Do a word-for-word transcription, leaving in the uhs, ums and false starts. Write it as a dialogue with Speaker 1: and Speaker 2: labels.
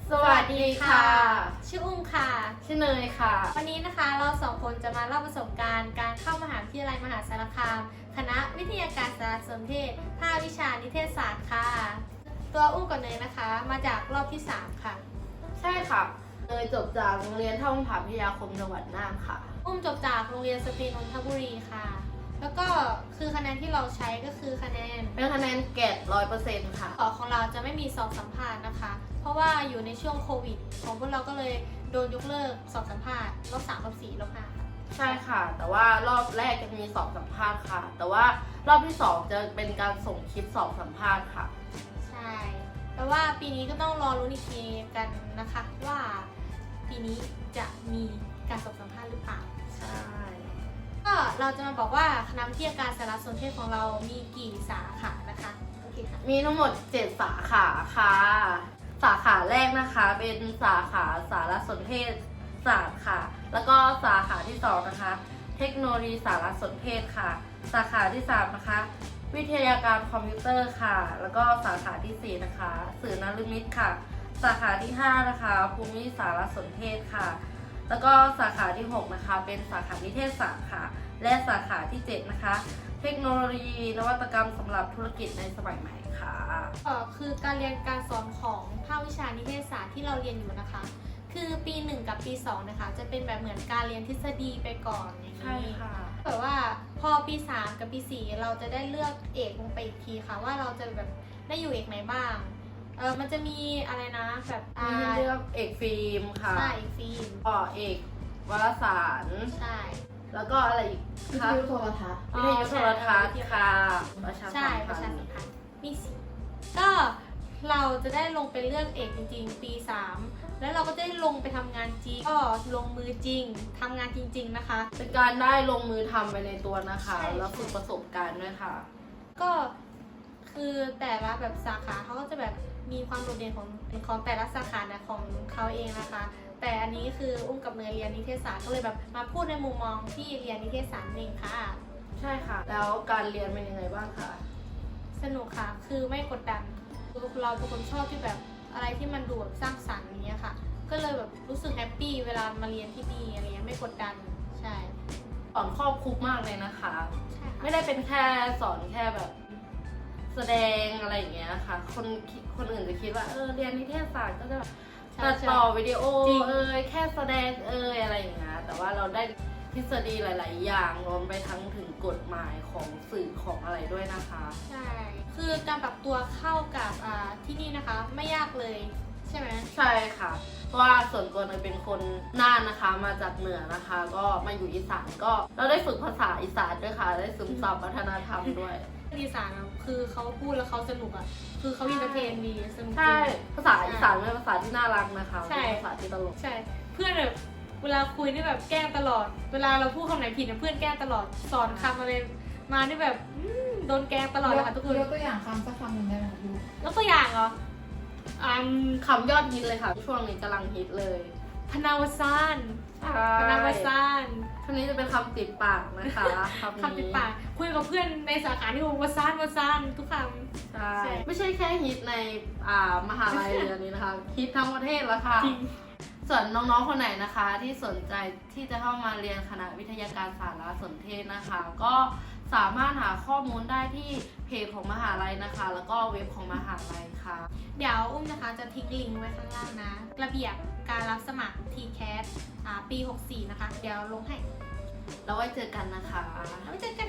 Speaker 1: สวัสดีค่ะ
Speaker 2: ชื่ออุ้มค่ะ
Speaker 1: ชื่อเนยค่ะ
Speaker 2: วันนี้นะคะเราสองคนจะมาเล่าประสบการณ์การเข้ามหาวิทยาลัยมหาสารคามคณะวิทยาการสารสนเทศภาควิชานิเทศศาสตร์ค่ะตัวอุ้มกับเนยนะคะมาจากรอบที่สามค่ะ
Speaker 1: ใช่ค่ะเนยจบจากโรงเรียนท่องผาพิทยาคมจังหวัดน่านค่ะ
Speaker 2: อุ้มจบจากโรงเรียนสตรีนนทบุรีค่ะแล้วก็คือคะแนนที่เราใช้ก็คือคะแนน
Speaker 1: เป็นคะแนนเกรดร้อยเปอร์เซ็นต์ค่ะ
Speaker 2: ของเราจะไม่มีสอบสัมภาษณ์นะคะเพราะว่าอยู่ในช่วงโควิดของพวกเราก็เลยโดนยกเลิกสอบสัมภาษณ์รอบสามรอบสี่รอบห้าค่ะ
Speaker 1: ใช่ค่ะแต่ว่ารอบแรกจะมีสอบสัมภาษณ์ค่ะแต่ว่ารอบที่สองจะเป็นการส่งคลิปสอบสัมภาษณ์ค่ะ
Speaker 2: ใช่แต่ว่าปีนี้ก็ต้องรอรุ้นอีกทีกันนะคะว่าปีนี้จะมีการสอบสัมภาษณ์หรือเปล่า
Speaker 1: ใช่
Speaker 2: ก็เราจะมาบอกว่าคณะวิทยาการสารสนเทศของเรามีกี่สาขานะคะโอเคค่ะ
Speaker 1: มีทั้งหมดเจ็ดสาขาค่ะสาขาแรกนะคะเป็นสาขาสารสนเทศศาสตร์ค่ะแล้วก็สาขาที่สองนะคะเทคโนโลยีสารสนเทศค่ะสาขาที่สามนะคะวิทยาการคอมพิวเตอร์ค่ะแล้วก็สาขาที่สี่นะคะสื่อนฤมิตค่ะสาขาที่ห้านะคะภูมิสารสนเทศค่ะแล้วก็สาขาที่หกนะคะเป็นสาขานิเทศศาสตร์ค่ะและสาขาที่เจ็ดนะคะเทคโนโลยีนวัตกรรมสำหรับธุรกิจในสมัยใหม่ค่ะ
Speaker 2: เอ่อคือการเรียนการสอนของภาควิชานิเทศศาสตร์ที่เราเรียนอยู่นะคะคือปีหนึ่งกับปีสองนะคะจะเป็นแบบเหมือนการเรียนทฤษฎีไปก่อนอย่างนี้
Speaker 1: ใช่ค่ะ
Speaker 2: แต่ว่าพอปีสามกับปีสี่เราจะได้เลือกเอกลงไปอีกทีค่ะว่าเราจะแบบได้อยู่เอกไหนบ้างเออมันจะมีอะไรนะแบบ
Speaker 1: มีให้เลือกเอกฟิล์มค่ะ
Speaker 2: ใช่เอกฟิล์ม
Speaker 1: ก็เอกวารสาร
Speaker 2: ใช่
Speaker 1: แล้วก็อะไรอีก
Speaker 3: วิทยุโทรทัศน์
Speaker 1: วิทยุโทรทัศน์ค่ะประชาสัมพันธ์
Speaker 2: ใช่ประชาสัมพันธ์มีสี่ก็เราจะได้ลงไปเลือกเอกจริงๆปีสามแล้วเราก็ได้ลงไปทำงานจริงก็ลงมือจริงทำงานจริงๆนะคะ
Speaker 1: เป็นการได้ลงมือทำไปในตัวนะคะแล้วฝึกประสบการณ์ด้วยค่ะ
Speaker 2: ก็คือแต่ละแบบสาขาเขาก็จะแบบมีความโดดเด่นของของแต่ละสาขานะของเขาเองนะคะแต่อันนี้คืออุ้มกับเนยเรียนนิเทศศาสตร์ก็เลยแบบมาพูดในมุมมองที่เรียนนิเทศศาสตร์เองค่ะ
Speaker 1: ใช่ค่ะแล้วการเรียนเป็นยังไงบ้างคะ
Speaker 2: สนุกค่ะคือไม่กดดันเราเป็นคนชอบที่แบบอะไรที่มันดูแบบสร้างสรรค์อย่างเงี้ยค่ะก็เลยแบบรู้สึกแฮปปี้เวลามาเรียนที่นี่อะไรเงี้ยไม่กดดันใช่
Speaker 1: สอนครอบคลุมมากเลยนะคะ
Speaker 2: ใช่ค่ะ
Speaker 1: ไม่ได้เป็นแค่สอนแค่แบบแสดงอะไรอย่างเงี้ยค่ะคนคนอื่นจะคิดว่าเออเรียนนิเทศศาสตร์ก็จะแบบตัดต่อวิดีโอเอ่ยแค่แสดงเอ่ยอะไรอย่างเงี้ยแต่ว่าเราได้ทฤษฎีหลายๆอย่างรวมไปทั้งถึงกฎหมายของสื่อของอะไรด้วยนะคะ
Speaker 2: ใช่คือการปรับตัวเข้ากับที่นี่นะคะไม่ยากเลยใช่ไหม
Speaker 1: ใช่ค่ะเพราะว่าส่วนตัวเนยเป็นคนน่านนะคะมาจากเหนือนะคะก็มาอยู่อีสานก็เราได้ฝึกภาษาอีสานด้วยค่ะได้ซึมซับวัฒนธรรมด้วย
Speaker 2: อีสานคือเขาพูดแล้วเขาสนุกอ่ะคือเขาอินเตอร์เทนดีสนุก
Speaker 1: ใช่ภาษาอีสานเป็นภาษาที่น่ารักนะคะ
Speaker 2: ใช่
Speaker 1: ภาษาที่ตลก
Speaker 2: ใช่เพื่อนแบบเวลาคุยนี่แบบแกล้งตลอดเวลาเราพูดคำไหนผิดเพื่อนแกล้งตลอดสอนคำอะไรมานี่แบบโดนแกล้งตลอดเลยค่ะทุกคน
Speaker 3: ยกตัวอย่างคำสักคำหนึ่งได้ไหมคะ
Speaker 2: ยกตัวอย่างเหรอ
Speaker 1: อืมคำยอดฮิตเลยค่ะช่วงนี้กำลังฮิตเลย
Speaker 2: พนาวซานพนาวซาน
Speaker 1: คำนี้จะเป็นคำติดปากนะคะ
Speaker 2: คำติดปากคุยกับเพื่อนในสาขาที่บอกว่าซานว่าซานทุกคำ
Speaker 1: ใช่ไม่ใช่แค่ฮิตในอ่ามหาลัยเรียนนี้นะคะฮิตทั้งประเทศแล้วค่ะส่วนน้องๆคนไหนนะคะที่สนใจที่จะเข้ามาเรียนคณะวิทยาการสารสนเทศนะคะก็สามารถหาข้อมูลได้ที่เพจของมหาลัยนะคะแล้วก็เว็บของมหาลัยค่ะ
Speaker 2: เดี๋ยวอุ้มนะคะจะทิ้งลิงก์ไว้ข้างล่างนะระเบียบการรับสมัคร ที แคส ปีหกสี่นะคะเดี๋ยวลงให้
Speaker 1: แล้วไว้เจอกันนะคะ
Speaker 2: แล้วไว้เจอกัน